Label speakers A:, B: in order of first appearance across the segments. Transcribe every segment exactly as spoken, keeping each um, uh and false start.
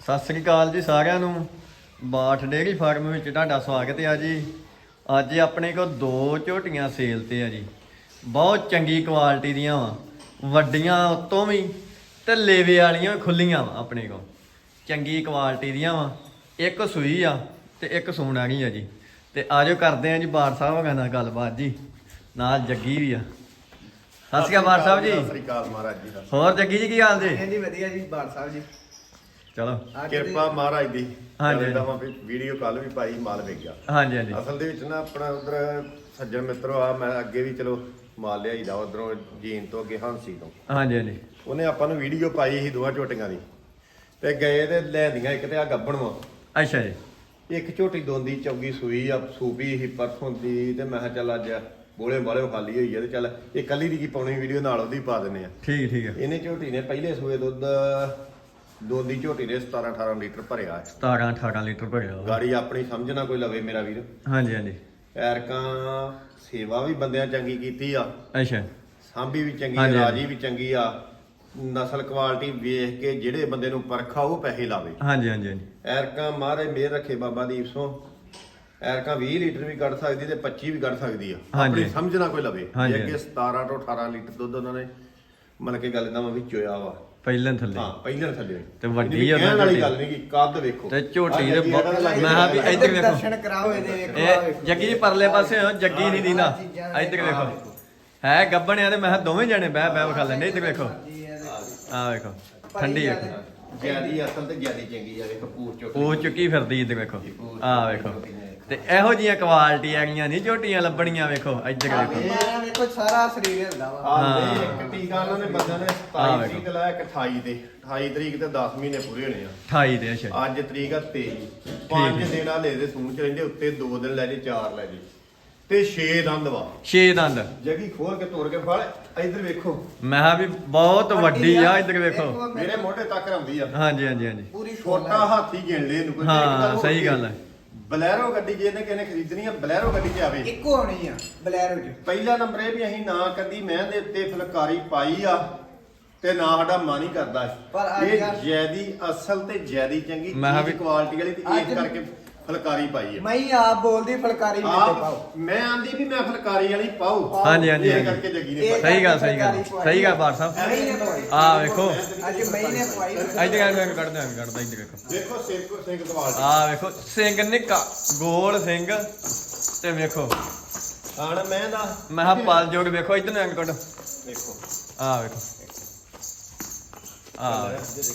A: ਸਤਿ ਸ੍ਰੀ ਅਕਾਲ ਜੀ ਸਾਰਿਆਂ ਨੂੰ। ਬਾਠ ਡੇਅਰੀ ਫਾਰਮ ਵਿੱਚ ਤੁਹਾਡਾ ਸਵਾਗਤ ਹੈ ਜੀ। ਅੱਜ ਆਪਣੇ ਕੋਲ ਦੋ ਝੋਟੀਆਂ ਸੇਲ ਤੇ ਆ ਜੀ। ਬਹੁਤ ਚੰਗੀ ਕੁਆਲਿਟੀ ਦੀਆਂ ਵਾ, ਵੱਡੀਆਂ ਉਤੋਂ ਵੀ ਤੇ ਲੇਵੇ ਵਾਲੀਆਂ ਵੀ ਖੁੱਲੀਆਂ ਵਾ। ਆਪਣੇ ਕੋਲ ਚੰਗੀ ਕੁਆਲਿਟੀ ਦੀਆਂ ਵਾ। ਇੱਕ ਸੂਈ ਆ ਤੇ ਇੱਕ ਸੂਣ ਵਾਲੀ ਆ ਜੀ। ਤੇ ਆਜੋ ਕਰਦੇ ਆ ਜੀ ਬਾਠ ਸਾਹਿਬ ਹੋਗਾ ਨਾਲ ਗੱਲਬਾਤ ਜੀ। ਨਾਲ ਜੱਗੀ ਵੀ ਆ। ਸਤਿ ਸ਼੍ਰੀ ਅਕਾਲ ਬਾਠ ਸਾਹਿਬ ਜੀ।
B: ਸਤਿ ਸ਼੍ਰੀ ਅਕਾਲ ਮਹਾਰਾਜ ਜੀ।
A: ਹੋਰ ਜੱਗੀ ਜੀ ਕੀ ਹਾਲ ਜੀ?
C: ਜੀ ਵਧੀਆ ਜੀ ਬਾਠ ਸਾਹਿਬ ਜੀ।
A: ਚਲੋ
B: ਕਿਰਪਾ ਮਹਾਰਾਜ ਦੀ।
A: ਹਾਂਜੀ।
B: ਵੀਡੀਓ ਕੱਲ ਵੀ ਪਾਈ, ਮਾਲ ਵੇਚ ਗਿਆ।
A: ਹਾਂਜੀ ਹਾਂਜੀ
B: ਅਸਲ ਦੇ ਵਿੱਚ ਨਾ ਆਪਣਾ ਉਧਰ ਸੱਜਣ ਮਿੱਤਰੋ ਆ, ਮੈਂ ਅੱਗੇ ਵੀ ਚਲੋ ਮਾਲ ਲਿਆਈਦਾ ਉਧਰੋਂ ਜੀਨ ਤੋਂ ਅੱਗੇ ਹਾਂਸੀ ਤੋਂ।
A: ਹਾਂਜੀ ਹਾਂਜੀ
B: ਉਹਨੇ ਆਪਾਂ ਨੂੰ ਵੀਡੀਓ ਪਾਈ ਸੀ ਦੋਵਾਂ ਝੋਟੀਆਂ ਦੀ, ਤੇ ਗਏ ਤੇ ਲੈਂਦੀਆਂ ਇੱਕ ਤੇ ਆ ਗੱਬਣ ਵਾ।
A: ਅੱਛਾ ਜੀ।
B: ਇੱਕ ਝੋਟੀ ਦੋਂਦੀ ਚੌਗੀ ਸੂਈ ਆ, ਸੂਪੀ ਸੀ ਪਰਸੋਂ ਦੀ, ਤੇ ਮੈਂ ਕਿਹਾ ਚੱਲ ਅੱਜ ਬੋਲੇ ਬਾਲੇ ਖਾਲੀ ਹੋਈ ਆ ਤੇ ਚੱਲ ਇਹ ਕੱਲੀ ਦੀ ਕੀ ਪਾਉਣੀ ਵੀਡੀਓ, ਨਾਲ ਉਹਦੀ ਪਾ ਦਿੰਦੇ ਆ।
A: ਠੀਕ ਠੀਕ ਹੈ।
B: ਇਹਨੇ ਝੋਟੀ ਨੇ ਪਹਿਲੇ ਸੂਏ ਦੁੱਧ ਦੋਂਦੀ ਝੋਟੀ ਨੇ ਸਤਾਰਾਂ ਅਠਾਰਾਂ ਲੀਟਰ ਭਰਿਆ ਹੈ।
A: ਸਤਾਰਾਂ ਅਠਾਰਾਂ ਲੀਟਰ ਭਰਿਆ ਵਾ।
B: ਗਾੜੀ ਆਪਣੀ ਸਮਝਣਾ ਕੋਈ ਲਵੇ ਮੇਰਾ ਵੀਰ।
A: ਹਾਂਜੀ ਹਾਂਜੀ
B: ਐਰਕਾਂ ਸੇਵਾ ਵੀ ਬੰਦਿਆਂ ਚੰਗੀ ਕੀਤੀ ਆ,
A: ਅੱਛਾ
B: ਸਾਂਭੀ ਵੀ ਚੰਗੀ,
A: ਹਾਂਜੀ।
B: ਰਾਜੀ ਵੀ ਚੰਗੀ ਆ। ਨਸਲ ਕੁਆਲਿਟੀ ਵੇਖ ਕੇ ਜਿਹੜੇ ਬੰਦੇ ਨੂੰ ਪਰਖਾ ਉਹ ਪੈਸੇ ਲਾਵੇ।
A: ਹਾਂਜੀ ਹਾਂਜੀ ਹਾਂਜੀ
B: ਐਰਕਾਂ ਮਹਾਰਾਜ ਮਿਹਰ ਰੱਖੇ ਬਾਬਾ ਦੀਪ ਸੋਂ। ਐਰਕਾਂ ਵੀਹ ਲੀਟਰ ਵੀ ਕੱਢ ਸਕਦੀ ਤੇ ਪੱਚੀ ਵੀ ਕੱਢ ਸਕਦੀ ਆ,
A: ਹਾਂਜੀ।
B: ਆਪਣੀ ਸਮਝਣਾ ਕੋਈ ਲਵੇ।
A: ਹਾਂਜੀ।
B: ਜੇ ਅੱਗੇ ਸਤਾਰਾਂ ਤੋਂ ਅਠਾਰਾਂ ਲੀਟਰ ਦੁੱਧ ਉਹਨਾਂ ਨੇ ਮਨ ਕੇ ਗੱਲ ਦਾ ਵਿੱਚ ਹੋਇਆ ਵਾ।
A: ਪਹਿਲਾਂ ਥੱਲੇ
B: ਹਾਂ ਪਹਿਲਾਂ ਥੱਲੇ
A: ਤੇ ਵੱਡੀ
B: ਇਹਦੀ
A: ਆ
B: ਕਹਿਣ ਵਾਲੀ
A: ਝੋਟੀ।
B: ਗੱਲ ਨਹੀਂ ਕਿ ਕੱਦ ਵੇਖੋ
A: ਤੇ ਝੋਟੀ ਦੇ
B: ਆਹ ਜੱਗੀ
A: ਬਹੁਤ-
B: ਇਹਦਾ
A: ਮੈਂ ਕਿਹਾ ਵੀ ਇੱਧਰ ਵੇਖੋ।
C: ਦਰਸ਼ਨ ਕਰਾਓ ਇਹਦੇ ਵੇਖੋ ਆਹ
A: ਇਹ
C: ਵੇਖੋ।
A: ਜੱਗੀ ਜੀ ਪਰਲੇ ਪਾਸੇ ਹੋ, ਜੱਗੀ ਨਹੀਂ ਦੀਦਾ। ਇੱਧਰ ਵੇਖੋ ਹੈ ਗੱਬਣ ਆ ਤੇ ਮੈਂ ਕਿਹਾ ਦੋਵੇਂ ਜਣੇ ਬਹਿ ਬਹਿ ਵਿਖਾ ਲੈਂਦੇ। ਇੱਧਰ ਵੇਖੋ ਆਹ ਵੇਖੋ ਠੰਡੀ ਵੇਖੋ,
B: ਜਿਆਦੀ ਅਸਲ ਤੇ ਜਿਆਦੀ ਚੰਗੀ ਆ। ਵੇਖੋ ਪੂਰ ਚੁੱਕ
A: ਉਹ ਚੁੱਕੀ ਫਿਰਦੀ। ਇੱਧਰ ਵੇਖੋ ਆਹ ਵੇਖੋ। ਤੇ ਇਹੋ ਜੀਆਂ ਕੁਆਲਿਟੀ ਆਗੀਆਂ ਨਹੀਂ ਝੋਟੀਆਂ ਲੱਭਣੀਆਂ। ਵੇਖੋ ਇੱਧਰ ਵੇਖੋ
C: ਇਹ ਵੇਖੋ ਸਾਰਾ ਸਰੀਰ ਹਿਲਦਾ ਵਾ।
B: ਹਾਂ ਇੱਕ ਟੀਕਾ ਉਹਨਾਂ ਨੇ ਬੰਦਿਆਂ ਨੇ
A: ਆਹ
B: ਸਤਾਈ
A: ਵੇਖੋ।
B: ਤਰੀਕ ਤੇ ਲਾਇਆ, ਇੱਕ ਅਠਾਈ ਤੇ ਅਠਾਈ ਤਰੀਕ ਤੇ ਦਸ ਮਹੀਨੇ ਪੂਰੇ ਹੋਣੇ ਆ।
A: ਅਠਾਈ ਦੇ ਅੱਛਾ
B: ਅੱਜ ਤਰੀਕ ਆ ਤੇਈ। ਪੰਜ ਦਿਨ ਆ ਲੈ ਦੇ ਸੂਣ ਚ ਰਹਿੰਦੇ, ਉੱਤੇ ਦੋ ਦਿਨ ਲੈ ਜੇ, ਚਾਰ ਲੈ ਜੇ, ਤੇ ਛੇ ਦੰਦ ਵਾ।
A: ਛੇ ਦੰਦ।
B: ਜਗੀ ਖੋਲ ਕੇ ਤੋੜ ਕੇ ਫੜ। ਇੱਧਰ ਵੇਖੋ
A: ਮੈਂ ਕਿਹਾ ਵੀ ਬਹੁਤ ਵੱਡੀ ਆ। ਇੱਧਰ ਵੇਖੋ
B: ਮੇਰੇ ਮੋਢੇ ਤੱਕ ਆਉਂਦੀ ਆ।
A: ਹਾਂਜੀ ਹਾਂਜੀ ਹਾਂਜੀ
C: ਪੂਰੀ
B: ਛੋਟਾ ਹਾਥੀ ਗਿਣ ਲੈ ਇਹਨੂੰ ਕੋਈ।
A: ਹਾਂ ਸਹੀ ਗੱਲ ਹੈ।
B: ਬਲੈਰੋ ਗੱਡੀ ਜੇ ਇਹਨੇ ਕਿਹਨੇ ਖਰੀਦਣੀ ਆ, ਬਲੈਰੋ ਗੱਡੀ 'ਚ ਆਵੇ।
C: ਇੱਕੋ ਹੋਣੀ ਆ ਬਲੈਰੋ ਚ।
B: ਪਹਿਲਾ ਨੰਬਰ ਇਹ ਵੀ ਅਸੀਂ ਨਾ ਕਦੀ ਮੈਂ ਦੇ ਉੱਤੇ ਫੁਲਕਾਰੀ ਪਾਈ ਆ ਤੇ ਨਾ ਸਾਡਾ ਮਨ ਹੀ ਕਰਦਾ
C: ਪਰ ਅੱਜ
B: ਇਹ
C: ਕੱਲ੍ਹ-
B: ਜੈਦੀ ਅਸਲ ਤੇ ਜੈਦੀ ਚੰਗੀ
A: ਮੈਂ ਕਿਹਾ
B: ਚੀਜ਼
A: ਵੀ-
B: ਕੁਆਲਿਟੀ ਵਾਲੀ ਤੇ
C: ਅੱਜ-
B: ਇਸ ਕਰਕੇ ਫੁਲਕਾਰੀ ਪਾਈ ਆ।
C: ਮੈਂ ਹੀ ਆਪ ਬੋਲਦੀ ਫਲਕਾਰੀ ਮੇਰੇ
B: ਆਪ
C: ਪਾਓ।
B: ਮੈਂ ਆਂਦੀ ਵੀ ਮੈਂ ਫੁਲਕਾਰੀ ਵਾਲੀ ਪਾਉ।
A: ਹਾਂਜੀ, ਹਾਂਜੀ,
B: ਇਹ
A: ਹਾਂਜੀ।
B: ਕਰਕੇ ਜੱਗੀ ਨੇ
C: ਇਹ
B: ਪਾਈ।
A: ਸਹੀ ਗੱਲ ਸਹੀ ਗੱਲ ਸਹੀ ਗੱਲ ਬਾਠ ਸਾਹਿਬ।
C: ਮੈਂ ਹੀ ਨੇ ਪਾਈ।
A: ਆਹ ਵੇਖੋ
C: ਅੱਜ ਮੈਂ ਹੀ ਨੇ ਪਾਈ।
A: ਇੱਧਰ ਆ ਕੇ ਕੱਢਦਾ ਕੱਢਦਾ ਇੱਧਰ ਵੇਖੋ
B: ਦੇਖੋ ਸਿੰਘ ਸਿੰਘ ਕੁਆਲਿਟੀ।
A: ਆਹ ਵੇਖੋ ਸਿੰਘ ਨਿੱਕਾ ਗੋਲ ਸਿੰਘ ਤੇ ਵੇਖੋ
B: ਆਣ ਮੈਂ ਦਾ
A: ਮੈਂ ਕਿਹਾ ਪਲ ਜੋੜ ਵੇਖੋ ਇੱਧਰ ਨੂੰ ਐਂ ਕੱਢ।
B: ਦੇਖੋ
A: ਆਹ ਵੇਖੋ ਆਹ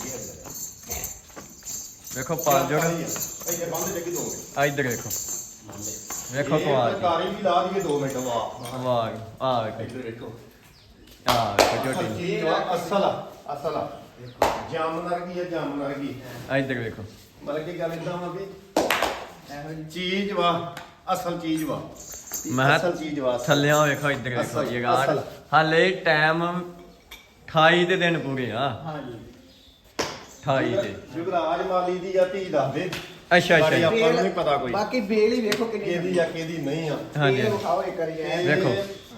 A: ਵੇਖੋ ਪਲ ਜੋੜ
B: ਇਹ ਬੰਦ ਜੱਗੀ ਦੋਗੇ।
A: ਆ ਇੱਧਰ ਵੇਖੋ ਵੇਖੋ ਕੁਆਲਿਟੀ।
B: ਫੁਲਕਾਰੀ ਵੀ ਲਾ ਦਈਏ ਦੋ ਮਿੰਟ। ਵਾਹ
A: ਵਾਹ ਆਹ ਵੇਖੋ
B: ਇੱਧਰ ਦੇਖੋ
A: ਆਹ ਵੇਖੋ ਝੋਟੀ
B: ਚੀਜ਼ ਵਾ, ਅਸਲ ਆ ਅਸਲ ਆ। ਜਾਮਨ ਵਰਗੀ ਆ, ਜਾਮਨ ਵਰਗੀ।
A: ਆ ਇੱਧਰ ਵੇਖੋ
B: ਮਤਲਬ ਕਿ ਗੱਲ ਇਦਾਂ ਵਾ ਵੀ
C: ਇਹੋ ਜਿਹੀ
B: ਚੀਜ਼ ਵਾ, ਅਸਲ ਚੀਜ਼ ਵਾ।
A: ਮੈਂ
B: ਅਸਲ ਚੀਜ਼ ਵਾ।
A: ਥੱਲਿਆਂ ਵੇਖੋ ਇੱਧਰ ਵੇਖੋ
B: ਅਸਲ-
A: ਜਗਾੜ
B: ਅਸਲ।
A: ਹਾਲੇ ਟਾਈਮ ਅਠਾਈ ਦੇ ਦਿਨ ਪੂਰੇ ਆ।
C: ਹਾਂਜੀ
A: ਅਠਾਈ ਦੇ
B: ਜੁਗਰਾਜ ਮਾਲੀ ਦੀ ਆ ਧੀ ਦੱਸਦੇ।
A: ਅੱਛਾ ਅੱਛਾ
B: ਬਾਕੀ ਆਪਾਂ ਨੂੰ ਨਹੀਂ ਪਤਾ ਕੋਈ
C: ਬਾਕੀ ਬੇਲ ਹੀ ਵੇਖੋ ਕਿੰਨੀ
B: ਕਿਹਦੀ ਆ ਕਿਹਦੀ ਨਹੀਂ ਆ।
A: ਹਾਂਜੀ
C: ਇਹ ਵਿਖਾਓ ਇੱਕ ਵਾਰੀ ਐ।
A: ਵੇਖੋ।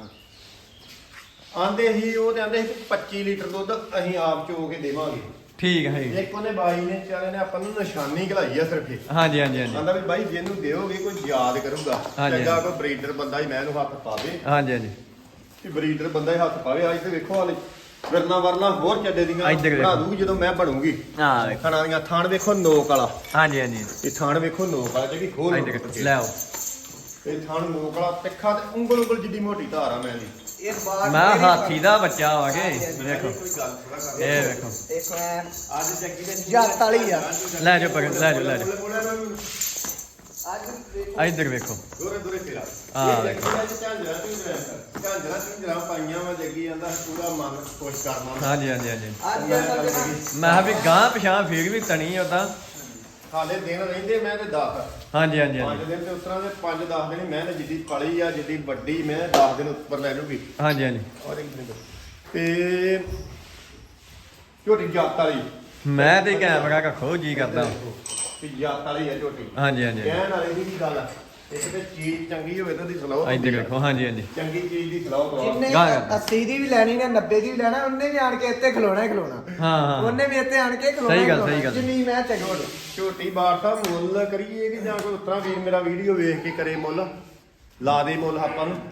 B: ਆਂਦੇ ਸੀ ਉਹ ਤੇ ਆਂਦੇ ਸੀ ਕਿ ਪੱਚੀ ਲੀਟਰ ਦੁੱਧ ਅਸੀਂ ਆਪ ਚੋ ਕੇ ਦੇਵਾਂਗੇ।
A: ਠੀਕ ਹੈ ਜੀ।
B: ਇੱਕ ਉਹਨੇ ਬਾਈ ਨੇ ਚਾਰੇ ਨੇ ਆਪਾਂ ਨੂੰ ਨਿਸ਼ਾਨੀ ਘਲਾਈ ਆ ਸਿਰਫ ਇਹ।
A: ਹਾਂਜੀ ਹਾਂਜੀ ਹਾਂਜੀ
B: ਆਂਦਾ ਵੀ ਬਾਈ ਜਿਹਨੂੰ ਦਿਓਗੇ ਕੋਈ ਯਾਦ ਕਰੂਗਾ।
A: ਹਾਂਜੀ।
B: ਚੰਗਾ ਕੋਈ ਬਰੀਡਰ ਬੰਦਾ ਹੀ ਮੈਂ ਇਹਨੂੰ ਹੱਥ ਪਾਵੇ
A: ਹਾਂਜੀ ਹਾਂਜੀ
B: ਕਿ ਬਰੀਡਰ ਬੰਦਾ ਹੀ ਹੱਥ ਪਾਵੇ। ਅੱਜ ਤੇ ਵੇਖੋ ਹਾਲੇ ਵਰਨਾ ਵਰਨਾ ਹੋਰ ਚੱਡੇ ਦੀਆਂ
A: ਇੱਧਰ ਵੇਖੋ।
B: ਬਣਾ ਦੂਗੀ ਜਦੋਂ ਮੈਂ ਬਣੂਗੀ।
A: ਆਹ ਵੇਖੋ
B: ਥਾਣਾ ਦੀਆਂ ਥਾਣ ਵੇਖੋ ਨੋਕ ਵਾਲਾ।
A: ਹਾਂਜੀ ਹਾਂਜੀ
B: ਇਹ ਥਾਣ ਵੇਖੋ ਨੋਕ ਵਾਲਾ ਜਿਹੜੀ ਖੋਲ
A: ਇੱਧਰ ਲੈ ਆਓ।
B: ਇਹ ਥਾਣ ਨੋਕ ਵਾਲਾ ਤਿੱਖਾ ਤੇ ਉਂਗਲ ਉਂਗਲ ਜਿੱਡੀ ਮੋਟੀ ਧਾਰ ਆ ਮੈਂ ਦੀ।
C: ਇਹ ਬਾਹਰ
A: ਮੈਂ ਹਾਥੀ ਦਾ ਬੱਚਾ ਆ ਕੇ ਵੇਖੋ
B: ਕੋਈ ਗੱਲ ਥੋੜਾ ਕਰ।
A: ਇਹ ਵੇਖੋ
C: ਇੱਕ ਐ
B: ਅੱਜ ਜੱਗੀ ਦੇ
C: ਜੱਤ ਵਾਲੀ ਆ।
A: ਲੈ ਜਾਓ ਪਕੜ ਲੈ ਜਾਓ ਲੈ ਜਾਓ
C: ਅੱਜ ਵੇਖੋ
A: ਆ ਇੱਧਰ ਵੇਖੋ
B: ਦੋਰੇ ਦੋਰੇ ਫੇਰਾ।
A: ਆਹ
B: ਇਹ ਝਾਂਜਰਾ ਝੁੰਜਰਾ ਝਾਂਜਰਾ ਝੁੰਜਰਾ ਪਾਈਆਂ ਵਾ ਜੱਗੀ ਜਾਂਦਾ ਪੂਰਾ ਮਨ ਖੁਸ਼ ਕਰਨਾ।
A: ਹਾਂਜੀ ਹਾਂਜੀ ਹਾਂਜੀ
C: ਅੱਜ ਅਸਲ ਦੇ ਨਾ
A: ਮੈਂ ਕਿਹਾ ਵੀ ਗਾਂ ਪਛਾਂ ਫੇਰ ਵੀ ਤਣੀ ਉਦਾਂ।
B: ਹਾਲੇ ਦਿਨ ਰਹਿੰਦੇ ਮੈਂ ਤੇ ਦਸ
A: ਹਾਂਜੀ ਹਾਂਜੀ
B: ਪੰਜ
A: ਹਾਂਜੀ
B: ਦਿਨ ਤੇ ਉਤਰਾਂ ਦੇ ਪੰਜ ਦਸ ਦਿਨ ਮੈਂ ਤੇ ਜਿੱਡੀ ਪਲੀ ਆ ਜਿੱਡੀ ਵੱਡੀ ਮੈਂ ਦਸ ਦਿਨ ਉੱਪਰ ਲੈ ਜੂਗੀ।
A: ਹਾਂਜੀ ਹਾਂਜੀ
B: ਔਰ ਇੱਕ ਮਿੰਟ ਤੇ ਝੋਟੀ ਜਾਤ ਵਾਲੀ
A: ਮੈਂ ਤੇ ਕੈਮਰਾ ਰੱਖੋ ਜੀ ਕਰਦਾ।
B: ਵੀ ਜਾਤ ਵਾਲੀ ਆ ਝੋਟੀ।
A: ਹਾਂਜੀ ਹਾਂਜੀ
B: ਕਹਿਣ ਵਾਲੇ ਦੀ ਕੀ ਗੱਲ ਆ। ਇੱਕ ਤੇ ਚੀਜ਼ ਚੰਗੀ ਹੋਵੇ ਤਾਂ ਦੀ ਸਲਾਹ
A: ਇੱਧਰ ਦੇਖੋ ਹਾਂਜੀ ਹਾਂਜੀ
B: ਚੰਗੀ ਚੀਜ਼ ਦੀ ਸਲਾਹ ਦਵਾ
C: ਜਿੰਨੇ
A: ਗਾਂ ਕਰਦਾ।
C: ਅੱਸੀ ਦੀ ਵੀ ਲੈਣੀ ਨਾ ਨੱਬੇ ਦੀ ਵੀ ਲੈਣਾ ਉਹਨੇ ਵੀ ਆਣ ਕੇ ਇੱਥੇ ਖਲੋਣਾ ਹੀ ਖਲੋਣਾ
A: ਹਾਂ ਹਾਂ
C: ਉਹਨੇ ਵੀ ਇੱਥੇ ਆਣ ਕੇ ਖਲੋਣਾ
A: ਸਹੀ
C: ਹੀ
A: ਗੱਲ,
C: ਖਲੋਣਾ।
A: ਸਹੀ ਗੱਲ।
C: ਜਿੰਨੀ ਮੈਂ ਚੰਗੀ
B: ਝੋਟੀ ਬਾਰ ਸਾਹਿਬ ਮੁੱਲ ਕਰੀਏ ਕਿ ਜਾਂ ਕੋਈ ਉਤਰਾ ਵੀਰ ਮੇਰਾ ਵੀਡੀਓ ਵੇਖ ਕੇ ਕਰੇ ਮੁੱਲ ਲਾ ਦੇ ਮੁੱਲ ਆਪਾਂ ਨੂੰ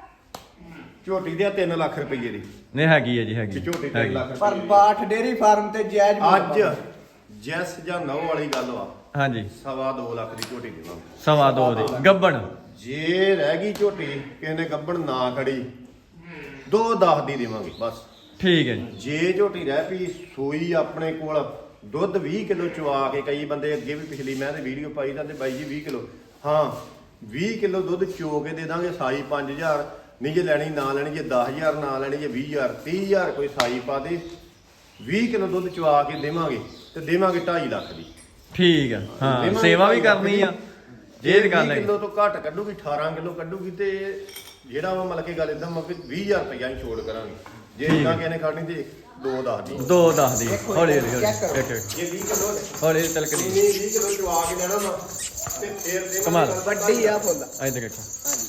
B: ਝੋਟੀ ਦੇ ਤਿੰਨ ਲੱਖ ਰੁਪਏ ਦੀ
A: ਨਹੀਂ ਹੈਗੀ ਹੈ ਜੀ ਹੈਗੀ
B: ਕਿ ਝੋਟੀ ਤਿੰਨ
A: ਹੈਗੀ।
B: ਲੱਖ
C: ਪਰ
B: ਰੁਪਏ
C: ਬਾਠ ਡੇਰੀ ਫਾਰਮ ਤੇ ਜਾਇਜ਼ ਮੁੱਲ
B: ਅੱਜ
C: ਪਾਓ।
B: ਜੈਸ ਜਾਂ ਨੌ ਵਾਲੀ ਗੱਲ ਵਾ
A: ਹਾਂਜੀ
B: ਸਵਾ ਦੋ ਲੱਖ ਦੀ ਝੋਟੀ ਦੇਵਾਂਗੇ
A: ਸਵਾ ਦੋ ਦੇ ਗੱਬਣ
B: ਜੇ ਰਹਿ ਗਈ ਝੋਟੀ ਕਿਸੇ ਨੇ ਗੱਬਣ ਨਾ ਖੜੀ ਦੋ ਦਸ ਦੀ ਦੇਵਾਂਗੇ ਬਸ
A: ਠੀਕ ਹੈ ਜੀ
B: ਜੇ ਝੋਟੀ ਰਹਿ ਪਈ ਸੂਈ ਆਪਣੇ ਕੋਲ ਦੁੱਧ ਵੀਹ ਕਿਲੋ ਚਵਾ ਕੇ ਕਈ ਬੰਦੇ ਅੱਗੇ ਵੀ ਪਿਛਲੀ ਮੈਂ ਤੇ ਵੀਡੀਓ ਪਾਈ ਜਾਂਦੇ ਬਾਈ ਜੀ ਵੀਹ ਕਿਲੋ ਹਾਂ ਵੀਹ ਕਿਲੋ ਦੁੱਧ ਚੋ ਕੇ ਦੇ ਦਾਂਗੇ ਸਾਈ ਪੰਜ ਹਜ਼ਾਰ ਨਹੀਂ ਜੇ ਲੈਣੀ ਨਾ ਲੈਣੀ ਜੇ ਦਸ ਹਜ਼ਾਰ ਨਾ ਲੈਣੀ ਜੇ ਵੀਹ ਹਜ਼ਾਰ ਤੀਹ ਹਜ਼ਾਰ ਕੋਈ ਸਾਈ ਪਾ ਦੇ ਵੀਹ ਕਿਲੋ ਦੁੱਧ ਚਵਾ ਕੇ ਦੇਵਾਂਗੇ ਤੇ ਦੇਵਾਂਗੇ ਢਾਈ ਲੱਖ ਦੀ
A: ਠੀਕ ਹੈ ਹਾਂ
B: ਦੇਵਾਂਗੇ
A: ਸੇਵਾ ਵੀ
B: ਢਾਈ ਲੱਖ
A: ਕਰਨੀ
B: ਦੀ।
A: ਆ ਜੇ ਇਹ ਗੱਲ
B: ਵੀਹ
A: ਹੈ
B: ਕਿਲੋ ਤੋਂ ਘੱਟ ਕੱਢੂਗੀ ਅਠਾਰਾਂ ਕਿਲੋ ਕੱਢੂਗੀ ਤੇ ਜਿਹੜਾ ਵਾ ਮਤਲਬ ਕਿ ਗੱਲ ਇਦਾਂ ਮਤਲਬ ਕਿ ਵੀਹ ਹਜ਼ਾਰ ਰੁਪਈਆ ਹੀ ਛੋੜ ਕਰਾਂਗੇ ਜੇ
A: ਠੀਕ
B: ਇਦਾਂ
A: ਹੈ।
B: ਕਿਸੇ ਨੇ ਖਾਣੀ ਤੇ ਦੋ ਦਸ ਦੀ
A: ਦੋ ਦਸ ਦੀ
C: ਦੇਖੋ,
A: ਹੌਲੀ ਹੌਲੀ ਹੌਲੀ
C: ਚੈੱਕ ਕਰੋ।
A: ਇੱਕ ਇੱਕ
B: ਜੇ ਵੀਹ ਕਿਲੋ
A: ਹੌਲੀ ਤਲਕਦੀ
B: ਨਹੀਂ ਵੀਹ ਕਿਲੋ ਚਵਾ ਕੇ ਲੈਣਾ ਵਾ ਤੇ ਫੇਰ ਦੇ
A: ਕਮਾਲ।
C: ਵੱਡੀ ਆ ਫੁੱਲ
A: ਇੱਧਰ ਦੇਖੋ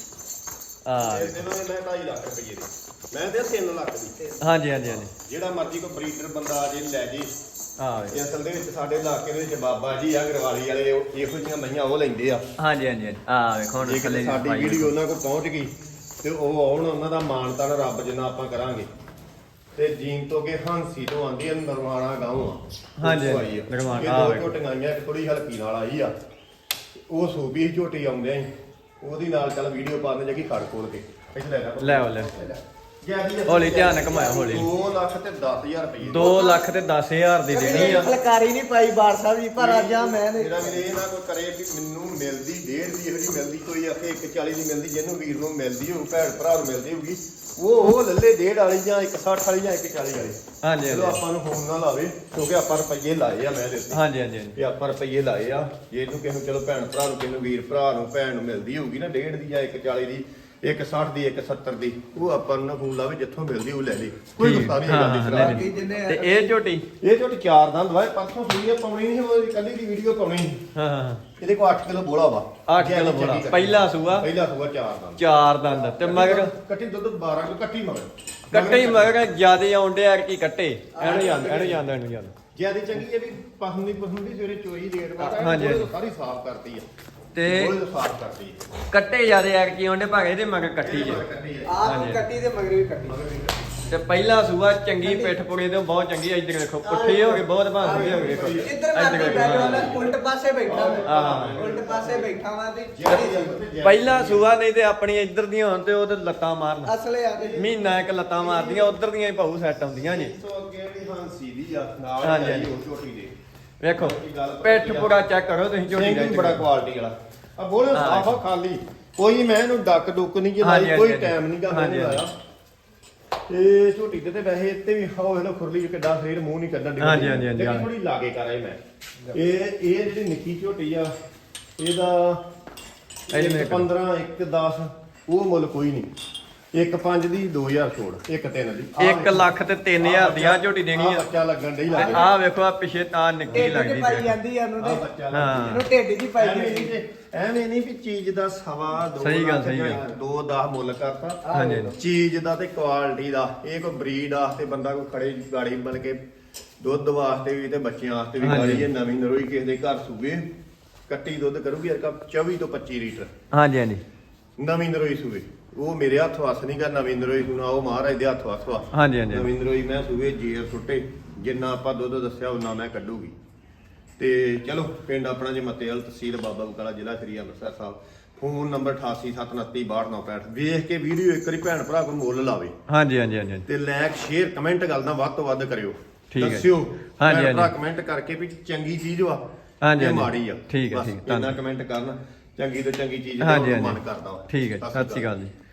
A: ਆ
B: ਫੇਰ ਦੇਵਾਂਗੇ ਮੈਂ ਢਾਈ ਲੱਖ ਰੁਪਏ ਦੀ ਮੈਂ ਤੇ ਤਿੰਨ ਲੱਖ ਦੀ
A: ਹਾਂਜੀ ਹਾਂਜੀ ਹਾਂਜੀ
B: ਜਿਹੜਾ ਮਰਜ਼ੀ ਕੋਈ ਬਰੀਡਰ ਬੰਦਾ ਆ ਜੇ ਲੈ ਜੇ
A: ਆ
B: ਇਹ ਅਸਲ ਦੇ ਵਿੱਚ ਸਾਡੇ ਇਲਾਕੇ ਦੇ ਵਿੱਚ ਬਾਬਾ ਜੀ ਆ ਗਰਵਾਲੀ ਵਾਲੇ ਉਹ ਇਹੋ ਜਿਹੀਆਂ ਮਈਆਂ ਉਹ ਲੈਂਦੇ ਆ
A: ਹਾਂਜੀ ਹਾਂਜੀ ਹਾਂਜੀ ਆ ਵੇਖੋ ਹੁਣ
B: ਜੇ
A: ਥੱਲੇ
B: ਕਿਤੇ ਸਾਡੀ
A: ਪਾਈ
B: ਵੀਡੀਓ ਉਹਨਾਂ ਕੋਲ ਪਹੁੰਚ ਗਈ ਤੇ ਉਹ ਆਉਣ ਉਹਨਾਂ ਦਾ ਮਾਣ ਤਾਣ ਰੱਬ ਜਿੰਨਾ ਆਪਾਂ ਕਰਾਂਗੇ ਤੇ ਜੀਨ ਤੋਂ ਕੇ ਹਾਂਸੀ ਤੋਂ ਆਂਦੀ ਆ ਨਰਵਾਣਾ ਗਾਉਂ ਆ
A: ਹਾਂਜੀ,
B: ਉੱਥੋਂ ਆਈ ਆ।
A: ਨਰਵਾਣਾ,
B: ਇਹ
A: ਆ
B: ਦੋ
A: ਵੇਖੋ।
B: ਝੋਟੀਆਂ ਆਈਆਂ ਇੱਕ ਥੋੜੀ ਹਲਕੀ ਨਾਲ ਆਈ ਆ ਉਹ ਸੂਬੀ ਸੀ ਝੋਟੀ ਆਉਂਦਿਆਂ ਹੀ ਉਹਦੀ ਨਾਲ ਚੱਲ ਵੀਡੀਓ ਪਾਉਣ ਜਗੀ ਖੜ ਖੋਲ ਕੇ ਇੱਥੇ ਲੈ ਲੈ
A: ਲੈ ਆਓ, ਲੈ
B: ਜਿਆਦੀ
A: ਹੌਲੀ ਧਿਆਨ ਨਾਲ ਘੁਮਾਇਓ, ਹੌਲੀ।
B: ਦੋ ਲੱਖ ਤੇ ਦਸ ਹਜ਼ਾਰ ਰੁਪਏ
A: ਦੋ ਲੱਖ ਤੇ ਦਸ ਹਜ਼ਾਰ ਦੀ ਦੇਣੀ ਆ
C: ਫਲਕਾਰੀ ਨਹੀਂ ਪਾਈ ਬਾਰ ਸਾਹਿਬ ਜੀ ਪਰ ਅੱਜ ਆ ਮੈਂ ਨੇ
B: ਮੇਰਾ ਵੀਰੇ ਇਹ ਨਾ ਕੋਈ ਕਰੇ ਵੀ ਮੈਨੂੰ ਮਿਲਦੀ ਡੇਢ ਦੀ ਇਹੋ ਜਿਹੀ ਮਿਲਦੀ ਕੋਈ ਆਖੇ ਇੱਕ ਚਾਲੀ ਦੀ ਮਿਲਦੀ ਜਿਹਨੂੰ ਵੀਰ ਨੂੰ ਮਿਲਦੀ ਹੋਊ ਭੈਣ ਭਰਾ ਨੂੰ ਮਿਲਦੀ ਹੋਊਗੀ ਉਹ ਉਹ ਲੱਲੇ ਡੇਢ ਵਾਲੀ ਜਾਂ ਇੱਕ ਸੱਠ ਵਾਲੀ ਜਾਂ ਇੱਕ ਚਾਲੀ ਵਾਲੀ
A: ਹਾਂਜੀ
B: ਚਲੋ
A: ਹਾਂਜੀ
B: ਆਪਾਂ ਨੂੰ ਫੋਨ ਨਾ ਲਾਵੇ ਕਿਉਂਕਿ ਆਪਾਂ ਰੁਪਈਏ ਲਾਏ ਆ ਮੈਂ ਦੇ ਉੱਤੇ
A: ਹਾਂਜੀ ਹਾਂਜੀ ਹਾਂਜੀ
B: ਵੀ ਆਪਾਂ ਰੁਪਈਏ ਲਾਏ ਆ ਜੇ ਇਹਨੂੰ ਕਿਸੇ ਨੂੰ ਚਲੋ ਭੈਣ ਭਰਾ ਨੂੰ ਕਿਸੇ ਨੂੰ ਵੀਰ ਭਰਾ ਨੂੰ ਭੈਣ ਨੂੰ ਮਿਲਦੀ ਹੋਊਗੀ ਨਾ ਡੇਢ ਦੀ ਜਾਂ ਇੱਕ ਚਾਲੀ ਦੀ ਇੱਕ ਸੱਠ ਦੀ ਇੱਕ ਸੱਤਰ ਦੀ ਉਹ ਆਪਾਂ ਨੂੰ ਨਾ ਫੋਨ ਲਾਵੇ ਜਿੱਥੋਂ ਮਿਲਦੀ ਉਹ ਲੈ ਲਈ ਕੋਈ
A: ਠੀਕ,
B: ਗੁੱਸਾ ਨਹੀਂ
A: ਹਾਂ,
B: ਹੈਗਾ
A: ਹਾਂ,
B: ਦੀ
A: ਨਹੀਂ,
B: ਸਲਾਹ
A: ਨਹੀਂ।
C: ਜਿੰਨੇ
A: ਤੇ ਇਹ ਝੋਟੀ
B: ਇਹ ਝੋਟੀ ਚਾਰ ਦੰਦ ਵਾਏ ਪਰਸੋਂ ਸੂਈ ਆ ਪਾਉਣੀ ਨਹੀਂ ਉਹ ਕੱਲੀ ਦੀ ਵੀਡੀਓ ਪਾਉਣੀ ਸੀ।
A: ਹਾਂ ਹਾਂ ਹਾਂ
B: ਇਹਦੇ ਕੋਲ ਅੱਠ ਕਿਲੋ ਬੋਲਾ ਵਾ
A: ਅੱਠ ਕਿਲੋ ਬੋਲਾ। ਪਹਿਲਾ ਸੂਆ?
B: ਪਹਿਲਾ ਸੂਆ ਚਾਰ ਦੰਦ
A: ਚਾਰ ਦੰਦ ਤੇ ਮਗਰ
B: ਕੱਟੀ ਦੁੱਧ ਬਾਰਾਂ ਕਿਲੋ ਕੱਟੀ ਮਗਰ
A: ਕੱਟੇ ਹੀ ਮਗਰ ਜਿਆਦੇ ਆਉਂਦੇ ਆ ਕੀ ਕੱਟੇ ਇਹਨੂੰ ਜਾਂਦਾ ਇਹਨੂੰ ਜਾਂਦਾ ਇਹਨੂੰ ਜਾਂਦਾ
B: ਜਿਆਦੀ ਚੰਗੀ ਇਹ ਵੀ ਪਸੰਦ ਦੀ ਪਸੰਦ ਦੀ ਸਵੇਰੇ ਚੋਈ ਰੇਟ ਵਾ
A: ਹਾਂਜੀ, ਹਾਂਜੀ।
B: ਸਾਰੀ ਸਾਫ਼ ਕਰਤੀ ਆ
A: ਤੇ
B: ਬੋਲੇ ਸਾਫ਼ ਕਰਤੀ ਆ।
A: ਕੱਟੇ ਜਿਆਦੇ ਆ ਕੀ ਆਉਂਦੇ ਭਾਗੇ ਇਹਦੇ ਮਗਰ ਕੱਟੀ ਜੇ
B: ਕੱਟੀ ਆ।
C: ਆਪ
A: ਹਾਂਜੀ।
C: ਕੱਟੀ ਤੇ ਮਗਰ ਵੀ ਕੱਟੀ
A: ਤੇ ਪਹਿਲਾ ਸੂਆ ਚੰਗੀ ਪਿੱਠ ਪੁੜੇ ਤੇ ਬਹੁਤ ਚੰਗੀ ਆ। ਇੱਧਰ ਦੇਖੋ ਪੁੱਠੇ ਹੋ ਗਏ ਬਹੁਤ ਭਾਂਦੇ ਹੋ ਗਏ ਦੇਖੋ
C: ਇੱਧਰ ਮੈਂ
A: ਇੱਧਰ
C: ਬੈਠਾ
A: ਦੇਖੋ।
C: ਹਾਂ ਉਲਟ ਪਾਸੇ ਬੈਠਾ
A: ਹਾਂ।
C: ਮੈਂ ਉਲਟ ਪਾਸੇ ਬੈਠਾ ਵਾਂ ਤੇ
A: ਪਹਿਲਾ ਸੂਆ ਨਹੀਂ ਤੇ ਆਪਣੀ ਇੱਧਰ ਦੀਆਂ ਹੋਣ ਤੇ ਉਹ ਤੇ ਲੱਤਾਂ ਮਾਰਨ
C: ਅਸਲੇ ਆ ਗਏ
A: ਮਹੀਨਾ ਇੱਕ ਲੱਤਾਂ ਮਾਰਦੀਆਂ ਉਧਰ ਦੀਆਂ ਹੀ ਭਾਊ ਸੈੱਟ ਆਉਂਦੀਆਂ ਜੀ
B: ਇਸ ਤੋਂ ਅੱਗੇ ਵੀ ਹਾਂਸੀ ਦੀ ਆ ਨਾਲ
A: ਹਾਂਜੀ,
B: ਜਾਈ
A: ਹਾਂਜੀ।
B: ਉਹ ਝੋਟੀ ਦੇ
A: ਵੇਖੋ ਪਿੱਠ ਪੁੜਾ ਚੈੱਕ ਕਰੋ ਤੁਸੀਂ ਝੋਟੀ
B: ਸਿੰਘ ਵੀ ਬੜਾ ਕੁਆਲਿਟੀ ਵਾਲਾ ਆ ਬੋਲੇ
A: ਹਾਂ।
B: ਸਾਫ ਆ ਖਾਲੀ ਕੋਈ ਮੈਂ ਇਹਨੂੰ ਡੱਕ ਡੁੱਕ ਨਹੀਂ ਜੇ
A: ਹਾਂਜੀ,
B: ਲਾਈ ਕੋਈ
A: ਹਾਂਜੀ,
B: ਟਾਈਮ ਨਹੀਂ ਗਾ
A: ਹਾਂਜੀ,
B: ਮੈਨੂੰ ਲਾਇਆ ਤੇ ਝੋਟੀ ਤੇ ਤੇ ਵੈਸੇ ਇੱਥੇ ਵੀ ਹਾਓ ਇਹਨੂੰ ਖੁਰਲੀ ਕਿੱਡਾ ਫੇਰ ਮੂੰਹ ਨਹੀਂ ਕੱਢਣ ਦੀ
A: ਹਾਂਜੀ, ਹਾਂਜੀ, ਹਾਂਜੀ, ਹਾਂ।
B: ਥੋੜੀ ਲਾਗੇ ਕਰ ਆਏ ਮੈਂ ਇਹ ਇਹ ਜਿਹੜੀ ਨਿੱਕੀ ਝੋਟੀ ਆ ਇਹਦਾ
A: ਇਹਦੇ
B: ਇੱਕ
A: ਮੇਰੇ ਕੋਲ।
B: ਪੰਦਰਾਂ ਇੱਕ ਦਸ ਉਹ ਮੁੱਲ ਕੋਈ ਨਹੀਂ ਇੱਕ ਪੰਜ ਦੀ ਦੋ ਹਜ਼ਾਰ ਛੋੜ ਇੱਕ ਤਿੰਨ ਦੀ ਆਹ
A: ਇੱਕ ਲੱਖ ਤੇ ਤਿੰਨ ਹਜ਼ਾਰ ਦੀ ਆ ਝੋਟੀ ਦੇਣੀ
B: ਆਹ
A: ਆ
B: ਬੱਚਾ ਲੱਗਣ ਡਈ ਲੱਗੇ
A: ਆ ਵੇਖੋ ਆ ਪਿਛੇ ਤਾਂ ਨਿੱਕੀ
C: ਢਿੱਡ
A: ਲੱਗਦੀ
C: ਚ ਪਾਈ
A: ਜੀ।
C: ਜਾਂਦੀ ਆ ਉਹਨੂੰ
B: ਆਹ
C: ਤੇ
B: ਬੱਚਾ
A: ਹਾਂ।
B: ਲੱਗਦੀ
C: ਇਹਨੂੰ ਢਿੱਡ ਜੀ ਪਾਈ
B: ਐਵੇਂ ਨਹੀਂ
C: ਜਾਂਦੀ
B: ਤੇ ਐਵੇਂ ਨਹੀਂ ਵੀ ਚੀਜ਼ ਦਾ ਸਵਾ ਦੋ
A: ਸਹੀ ਗੱਲ,
B: ਲੱਖ
A: ਸਹੀ ਗੱਲ।
B: ਜਾਂ ਦੋ ਦਸ ਮੁੱਲ ਕਰਤਾ
A: ਹਾਂਜੀ, ਹਾਂਜੀ।
B: ਚੀਜ਼ ਦਾ ਤੇ ਕੁਆਲਿਟੀ ਦਾ ਇਹ ਕੋਈ ਬਰੀਡ ਵਾਸਤੇ ਬੰਦਾ ਕੋਈ ਖੜੇ ਗਾੜੀ ਬਣ ਕੇ ਦੁੱਧ ਵਾਸਤੇ ਵੀ ਤੇ ਬੱਚਿਆਂ ਵਾਸਤੇ ਵੀ
A: ਹਾਂਜੀ।
B: ਗਾੜੀ ਇਹ ਨਵੀਂ ਨਰੋਈ ਕਿਸੇ ਦੇ ਘਰ ਸੂਵੇ ਕੱਟੀ ਦੁੱਧ ਕਰੂਗੀ ਯਾਰ ਕਾ ਚੌਵੀ ਤੋਂ ਪੱਚੀ ਲੀਟਰ
A: ਹਾਂਜੀ ਹਾਂਜੀ
B: ਨਵੀਂ ਨਰੋਈ ਸੂਵੇ ਉਹ ਮੇਰੇ ਹੱਥ ਵਸ ਨਹੀਂ ਗਾ ਨਵੀਂ ਨਰੋਈ ਸੁਣਾ ਉਹ ਮਹਾਰਾਜ ਦੇ ਹੱਥ ਵਸ ਵਾ
A: ਹਾਂਜੀ ਹਾਂਜੀ
B: ਨਵੀਂ ਨਰੋਈ ਮੈਂ ਸੂਵੇ ਜੇਰ ਸੁੱਟੇ ਜਿੰਨਾ ਆਪਾਂ ਦੁੱਧ ਦੱਸਿਆ ਉਹਨਾਂ ਮੈਂ ਕੱਢੂਗੀ ਤੇ ਚਲੋ ਪਿੰਡ ਆਪਣਾ ਜੇ ਮਤੇਲ ਤਹਿਸੀਲ ਬਾਬਾ ਬਕਾਲਾ ਜ਼ਿਲ੍ਹਾ ਸ੍ਰੀ ਅੰਮ੍ਰਿਤਸਰ ਸਾਹਿਬ ਫੋਨ ਨੰਬਰ ਅਠਾਸੀ ਸੱਤ ਉਨੱਤੀ ਬਾਹਠ ਨੌ ਪੈਂਹਠ ਵੇਖ ਕੇ ਵੀਡੀਓ ਇੱਕ ਵਾਰੀ ਭੈਣ ਭਰਾ ਕੋਲ ਮੁੱਲ ਲਾਵੇ
A: ਹਾਂਜੀ ਹਾਂਜੀ ਹਾਂਜੀ
B: ਤੇ ਲਾਇਕ ਸ਼ੇਅਰ ਕਮੈਂਟ ਗੱਲ ਦਾ ਵੱਧ ਤੋਂ ਵੱਧ ਕਰਿਓ
A: ਠੀਕ ਹੈ।
B: ਦੱਸਿਓ
A: ਹਾਂਜੀ,
B: ਭੈਣ ਭਰਾ
A: ਹਾਂਜੀ।
B: ਕਮੈਂਟ ਕਰਕੇ ਵੀ ਚੰਗੀ ਚੀਜ਼ ਵਾ
A: ਹਾਂਜੀ,
B: ਤੇ
A: ਹਾਂਜੀ।
B: ਮਾੜੀ ਆ
A: ਠੀਕ ਹੈ,
B: ਬਸ
A: ਠੀਕ ਹੈ,
B: ਇੰਨਾ
A: ਧੰਨਵਾਦ।
B: ਕਮੈਂਟ ਕਰਨ ਚੰਗੀ ਤੋਂ ਚੰਗੀ ਚੀਜ਼
A: ਹਾਂਜੀ
B: ਦਾ
A: ਹਾਂਜੀ
B: ਮਨ ਕਰਦਾ ਵਾ
A: ਠੀਕ ਹੈ ਜੀ, ਸਤਿ ਸ਼੍ਰੀ ਅਕਾਲ ਜੀ।